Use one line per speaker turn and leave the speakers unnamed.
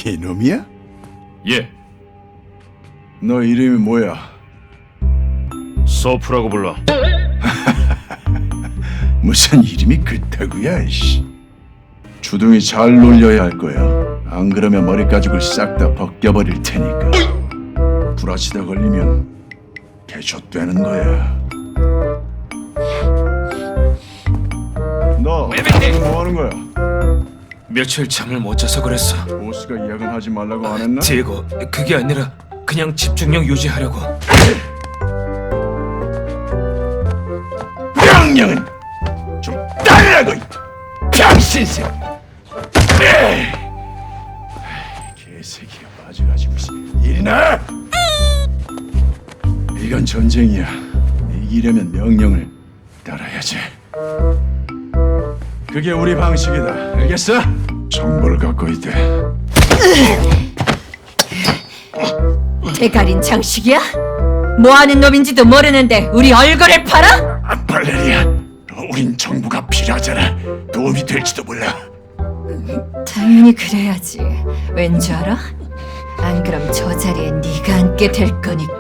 이놈이야?
예,
너 이름이 뭐야?
서프라고 불러.
무슨 이름이 그따구야, 이씨. 주둥이 잘 놀려야 할 거야. 안 그러면 머리 가죽을 싹 다 벗겨버릴 테니까. 불아치다 걸리면 개좆되는 거야. 너 지금 뭐 하는 거야?
며칠 잠을 못 자서 그랬어.
보스가 야근하지 말라고 안 했나?
디에고, 그게 아니라 그냥 집중력 유지하려고.
명령은 좀 따르라고, 이 병신새! 개새끼가 빠져가지고 일이나! 이건 전쟁이야. 이기려면 명령을 따라야지. 그게 우리 방식이다. 알겠어? 정보를 갖고 있대.
대가린 장식이야? 뭐하는 놈인지도 모르는데 우리 얼굴을 팔아?
발레리아, 우린 정부가 필요하잖아. 도움이 될지도 몰라.
당연히 그래야지. 왠 줄 알아? 안 그럼 저 자리에 네가 앉게 될 거니까.